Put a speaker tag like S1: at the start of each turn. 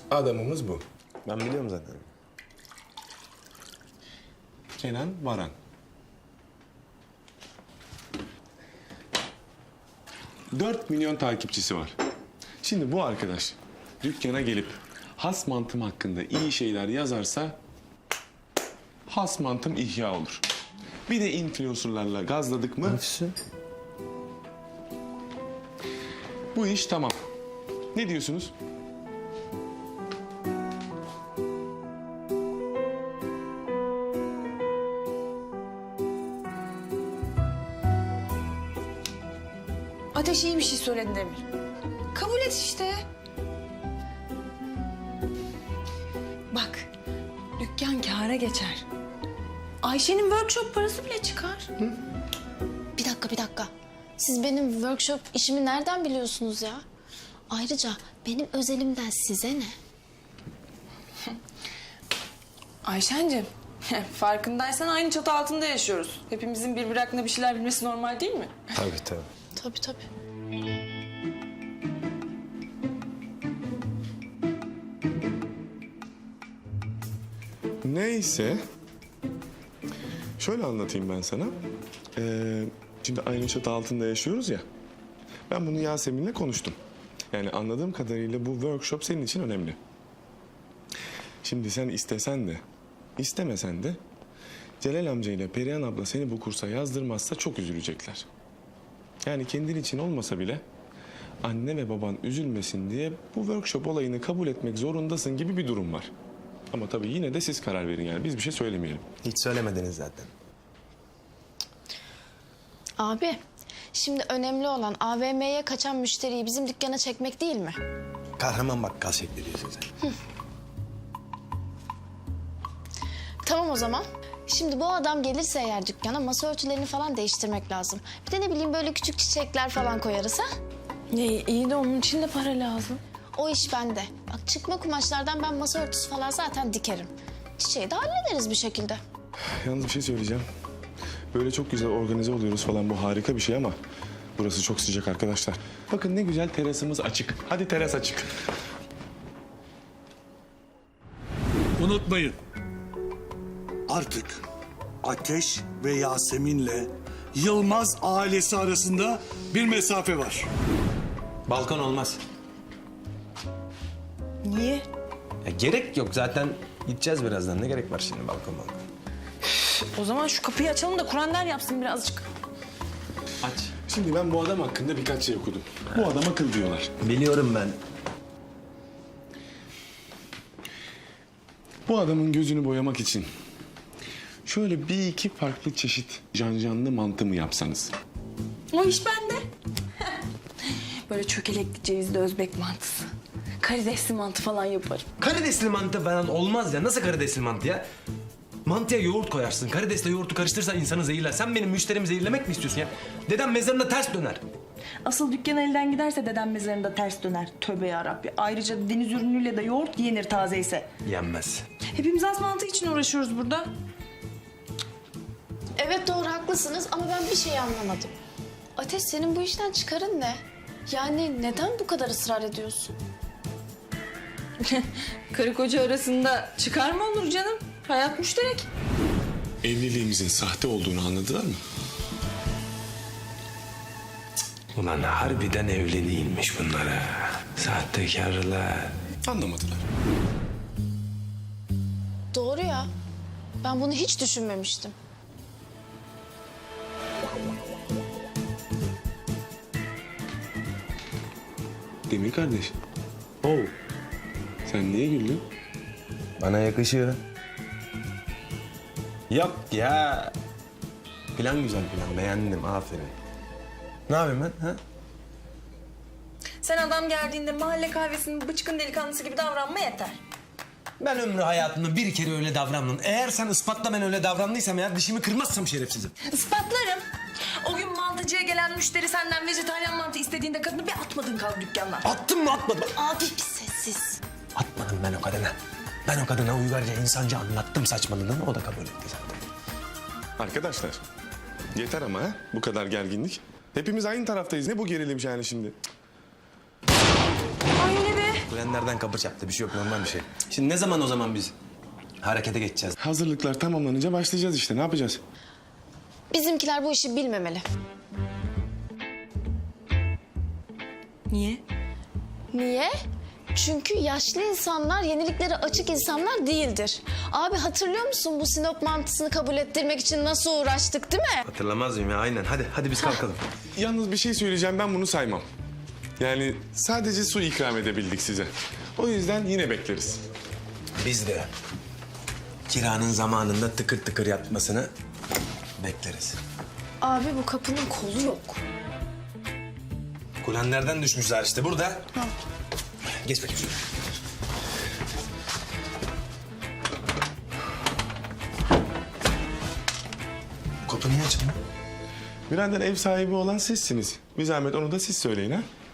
S1: Adamımız bu.
S2: Ben biliyorum zaten.
S1: Kenan Varan. 4 milyon takipçisi var. Şimdi bu arkadaş dükkana gelip has mantım hakkında iyi şeyler yazarsa has mantım ihya olur. Bir de influencerlarla gazladık mı bu iş tamam. Ne diyorsunuz?
S3: Ateş iyi bir şey söyledi Demir. Kabul et işte. Bak, dükkan kâra geçer. Ayşe'nin workshop parası bile çıkar.
S4: Bir dakika. Siz benim workshop işimi nereden biliyorsunuz ya? Ayrıca benim özelimden size ne?
S3: Ayşe'cim, farkındaysan aynı çatı altında yaşıyoruz. Hepimizin birbiri hakkında bir şeyler bilmesi normal değil mi?
S2: Tabii.
S4: Tabii.
S1: Neyse. Şöyle anlatayım ben sana. Şimdi aynı çatı altında yaşıyoruz ya. Ben bunu Yasemin'le konuştum. Yani anladığım kadarıyla bu workshop senin için önemli. Şimdi sen istesen de, istemesen de Celal amca ile Perihan abla seni bu kursa yazdırmazsa çok üzülecekler. Yani kendin için olmasa bile anne ve baban üzülmesin diye bu workshop olayını kabul etmek zorundasın gibi bir durum var. Ama tabii yine de siz karar verin yani biz bir şey söylemeyelim.
S2: Hiç söylemediniz zaten.
S4: Abi, şimdi önemli olan AVM'ye kaçan müşteriyi bizim dükkana çekmek değil mi?
S2: Kahraman bakkal şekli diyorsun sen.
S4: Tamam o zaman. Şimdi bu adam gelirse eğer dükkana masa örtülerini falan değiştirmek lazım. Bir de ne bileyim böyle küçük çiçekler falan koyarız ha?
S3: İyi de onun için de para lazım.
S4: O iş bende. Bak çıkma kumaşlardan ben masa örtüsü falan zaten dikerim. Çiçeği de hallederiz bir şekilde.
S1: Yalnız bir şey söyleyeceğim. Böyle çok güzel organize oluyoruz falan bu harika bir şey ama burası çok sıcak arkadaşlar. Bakın ne güzel terasımız açık. Hadi teras açık.
S5: Unutmayın. Artık Ateş ve Yasemin'le Yılmaz ailesi arasında bir mesafe var.
S2: Balkon olmaz.
S3: Niye?
S2: Ya gerek yok zaten gideceğiz birazdan. Ne gerek var şimdi balkon?
S3: O zaman şu kapıyı açalım da Kur'an yapsın birazcık.
S2: Aç.
S1: Şimdi ben bu adam hakkında birkaç şey okudum. Bu adam akıl diyorlar.
S2: Biliyorum ben.
S1: Bu adamın gözünü boyamak için şöyle bir iki farklı çeşit canlı mantı mı yapsanız?
S3: O iş bende. Böyle çökelekli cevizli Özbek mantısı. Karidesli mantı falan yaparım.
S2: Karidesli mantı falan olmaz ya. Nasıl karidesli mantı ya? Mantıya yoğurt koyarsın. Karidesle yoğurtu karıştırırsan insanı zehirler. Sen benim müşterimi zehirlemek mi istiyorsun ya? Dedem mezarında ters döner.
S6: Asıl dükkan elden giderse dedem mezarında ters döner. Tövbe yarabbi. Ayrıca deniz ürünüyle de yoğurt yenir taze ise.
S2: Yenmez.
S6: Hepimiz az mantı için uğraşıyoruz burada.
S4: Evet doğru haklısınız ama ben bir şey anlamadım. Ateş senin bu işten çıkarın ne? Yani neden bu kadar ısrar ediyorsun?
S3: Karı koca arasında çıkar mı olur canım? Hayat müşterek.
S1: Evliliğimizin sahte olduğunu anladılar mı?
S2: Ulan harbiden evli değilmiş bunlara. Sahtekarlar.
S1: Anlamadılar.
S4: Doğru ya. Ben bunu hiç düşünmemiştim.
S1: Demir kardeş,
S2: Oo.
S1: sen niye güldün?
S2: Bana yakışıyor. Yok ya. Plan güzel plan. Beğendim. Aferin. Ne yapayım ben? Ha?
S6: Sen adam geldiğinde mahalle kahvesinin bıçkın delikanlısı gibi davranma yeter.
S2: Ben ömrü hayatımda bir kere öyle davrandım. Eğer sen ispatla ben öyle davrandıysam eğer dişimi kırmazsam şerefsizim.
S6: Ispatlarım. O gün mantıcıya gelen müşteri senden vejetaryen mantı istediğinde kadını bir atmadın kaldı dükkandan.
S2: Attım mı atmadım mı?
S4: Abi bir sessiz.
S2: Atmadım ben o kadına. Ben o kadına uygarca insanca anlattım saçmalığını. O da kabul etti zaten.
S1: Arkadaşlar, yeter ama ha? Bu kadar gerginlik. Hepimiz aynı taraftayız. Ne bu gerilim yani şimdi?
S6: Ay öyle be.
S2: Kulenlerden kapı çarptı. Bir şey yok, normal bir şey. Şimdi ne zaman o zaman biz harekete geçeceğiz?
S1: Hazırlıklar tamamlanınca başlayacağız işte. Ne yapacağız?
S4: Bizimkiler bu işi bilmemeli.
S3: Niye?
S4: Niye? Çünkü yaşlı insanlar yeniliklere açık insanlar değildir. Abi hatırlıyor musun bu Sinop mantısını kabul ettirmek için nasıl uğraştık değil mi?
S2: Hatırlamaz mıyım ya? Aynen. Hadi biz kalkalım.
S1: Yalnız bir şey söyleyeceğim, ben bunu saymam. Yani sadece su ikram edebildik size. O yüzden yine bekleriz.
S2: Biz de kiranın zamanında tıkır tıkır yatmasını bekleriz.
S4: Abi bu kapının kolu yok.
S2: Kulenlerden düşmüşler işte burada. Geç bakayım şuraya. Bu kapı niye açıldı?
S1: Birader, ev sahibi olan sizsiniz. Bir zahmet onu da siz söyleyin ha.